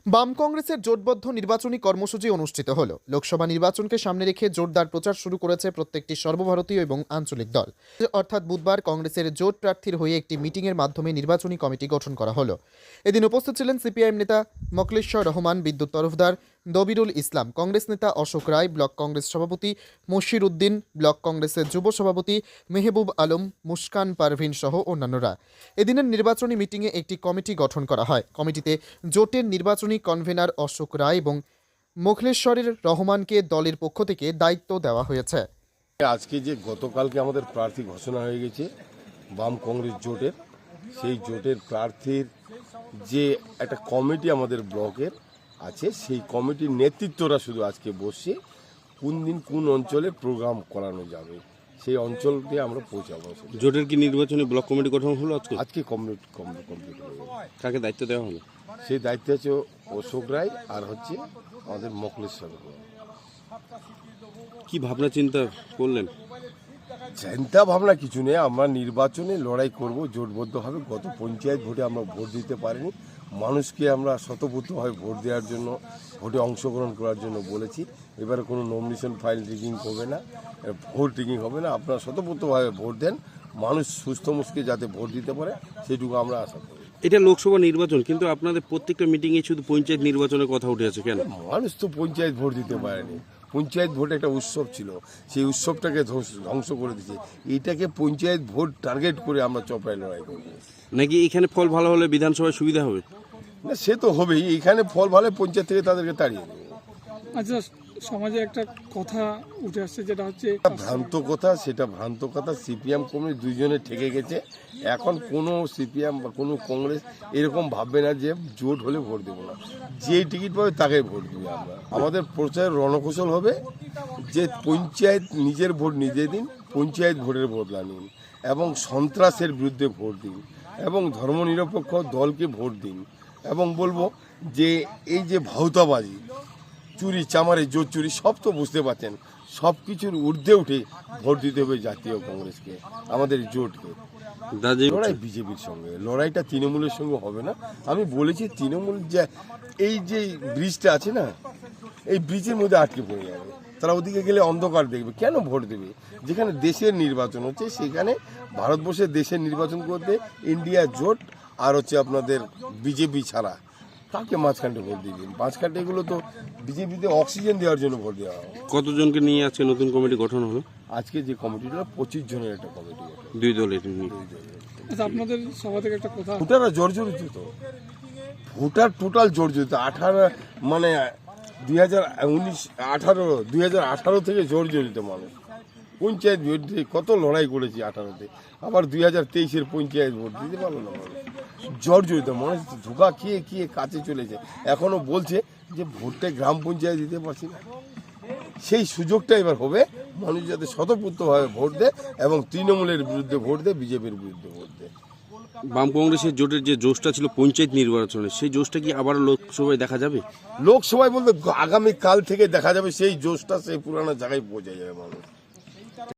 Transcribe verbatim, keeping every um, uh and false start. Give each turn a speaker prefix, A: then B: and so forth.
A: বাম কংগ্রেসের জোটবদ্ধ নির্বাচনী কর্মসূচি অনুষ্ঠিত হল। লোকসভা নির্বাচনকে সামনে রেখে জোরদার প্রচার শুরু করেছে প্রত্যেকটি সর্বভারতীয় এবং আঞ্চলিক দল। অর্থাৎ বুধবার কংগ্রেসের জোট প্রার্থীর হয়ে একটি মিটিংয়ের মাধ্যমে নির্বাচনী কমিটি গঠন করা হলো। এদিন উপস্থিত ছিলেন সিপিআইএম নেতা মোখলেশ্বর রহমান, বিদ্যুৎ তরফদার, দবিরুল ইসলাম, কংগ্রেস নেতা অশোক রায়, ব্লক কংগ্রেস সভাপতি মশির উদ্দিন, ব্লক কংগ্রেসের যুব সভাপতি মেহবুব আলম, মুস্কান পারভিন সহ অন্যান্যরা। এদিনের নির্বাচনী মিটিংয়ে একটি কমিটি গঠন করা হয়। কমিটিতে জোটের নির্বাচনী কনভেনার অশোক রায় এবং মোখলেশ্বরের রহমানকে দলের পক্ষ থেকে দায়িত্ব দেওয়া হয়েছে।
B: আজকে যে গতকালকে আমাদের প্রার্থী ঘোষণা হয়ে গেছে বাম কংগ্রেস জোটের, সেই জোটের প্রার্থীর যে একটা কমিটি আমাদের ব্লকের আছে, সেই কমিটির নেতৃত্বরা শুধু আজকে বসে কোন দিন কোন অঞ্চলে প্রোগ্রাম করানো যাবে সেই অঞ্চলকে আমরা পৌঁছাবো।
C: জোটের কি নির্বাচনী ব্লক কমিটি গঠন হলো আজকে?
B: আজকে কমপ্লিট কমপ্লিট হয়ে গেল।
C: কাকে দায়িত্ব দেওয়া হলো?
B: সেই দায়িত্ব আছে অশোক রায় আর হচ্ছে আমাদের মোখলেশ্বর।
C: কি ভাবনা চিন্তা করলেন?
B: চিন্তা ভাবনা কিছু নেই, আমরা নির্বাচনে লড়াই করব জোটবদ্ধভাবে। গত পঞ্চায়েত ভোটে আমরা ভোট দিতে পারিনি, মানুষকে আমরা শতপ্রতভাবে ভোট দেওয়ার জন্য, ভোটে অংশগ্রহণ করার জন্য বলেছি। এবারে কোনো নমিনেশন ফাইল রিগিং হবে না, ভোট রিগিং হবে না। আপনারা শতপ্রতভাবে ভোট দেন, মানুষ সুস্থ মুখে যাতে ভোট দিতে পারে সেটুকু আমরা আশা করি।
C: এটা লোকসভা নির্বাচন, কিন্তু আপনাদের প্রত্যেকটা মিটিংয়ে শুধু পঞ্চায়েত নির্বাচনের কথা উঠে আছে কেন?
B: মানুষ তো পঞ্চায়েত ভোট দিতে পারেনি। পঞ্চায়েত ভোট একটা উৎসব ছিল, সেই উৎসবটাকে ধ্বংস করে দিচ্ছে। এইটাকে পঞ্চায়েত ভোট টার্গেট করে আমরা চপড়ায় লড়াই করবো।
C: নাকি এখানে ফল ভালো হলে বিধানসভায় সুবিধা হবে?
B: না, সে তো হবেই। এখানে ফল ভালো, পঞ্চায়েত থেকে তাদেরকে তাড়িয়ে দেবে।
D: আচ্ছা, সমাজে একটা কথা উঠে আসছে যেটা হচ্ছে
B: ভ্রান্ত কথা, সেটা ভ্রান্ত কথা। সিপিএম কংগ্রেস দুইজনে ঠেকে গেছে। এখন কোনো সিপিএম বা কোনো কংগ্রেস এরকম ভাববে না যে জোট হলে ভোট দেবো না, যে টিকিট পাবে তাকে ভোট দেবে। আমরা আমাদের প্রচার রণকৌশল হবে যে পঞ্চায়েত নিজের ভোট নিজে দিন, পঞ্চায়েত ভোটের বদলা নিন, এবং সন্ত্রাসের বিরুদ্ধে ভোট দিন, এবং ধর্মনিরপেক্ষ দলকে ভোট দিন। এবং বলবো যে এই যে ভাউতাবাজি, চুরি চামারে, জোর চুরি, সব তো বুঝতে পারছেন, সব কিছুর ঊর্ধ্বে উঠে ভোট দিতে হবে জাতীয় কংগ্রেসকে, আমাদের জোটকে। লড়াই বিজেপির সঙ্গে, লড়াইটা তৃণমূলের সঙ্গে হবে না। আমি বলেছি তৃণমূল যে এই যে ব্রিজটা আছে না, এই ব্রিজের মধ্যে আটকে পড়ে যাবে। তারা ওদিকে গেলে অন্ধকার দেখবে, কেন ভোট দেবে? যেখানে দেশের নির্বাচন হচ্ছে, সেখানে ভারতবর্ষের দেশের নির্বাচন করতে ইন্ডিয়া জোট আর হচ্ছে আপনাদের বিজেপি ছাড়া কাকে মাঝখানটা ভোট দিবেন? মাঝখানটা এগুলো তো বিজেপিতে অক্সিজেন দেওয়ার জন্য ভোট দেওয়া হয়।
C: কতজনকে নিয়ে আজকে নতুন কমিটি গঠন হলো?
B: আজকে যে কমিটিটা পঁচিশ জনের একটা কমিটি,
C: দুই দলের নিয়ে।
D: আচ্ছা, আপনাদের সভা থেকে একটা কথা,
B: ভোটাররা জর্জরিত, তো ভোটার টোটাল জর্জরিত। আঠারো মানে দুই হাজার উনিশ আঠারো দুই হাজার আঠারো থেকে জর্জরিত মানুষ। পঞ্চায়েত ভোট দিয়ে কত লড়াই করেছি আঠারোতে, আবার দুই হাজার তেইশের পঞ্চায়েত ভোট দিতে পারলো না মানুষ। জর্জরিত মানুষ, ধোকা খেয়ে খেয়ে কাছে চলেছে। এখনো বলছে যে ভোটটা গ্রাম পঞ্চায়েত দিতে পারছি না। সেই সুযোগটা এবার হবে, মানুষ যাতে স্বতঃস্ফূর্তভাবে ভোট দেয় এবং তৃণমূলের বিরুদ্ধে ভোট দেয়, বিজেপির বিরুদ্ধে ভোট দেয়।
C: বাম কংগ্রেসের জোটের যে জোশটা ছিল পঞ্চায়েত নির্বাচনে, সেই জোশটা কি আবার লোকসভায় দেখা যাবে?
B: লোকসভায় বলতে আগামী কাল থেকে দেখা যাবে সেই জোশটা সেই পুরানো জায়গায় পৌঁছে যাবে মানুষ।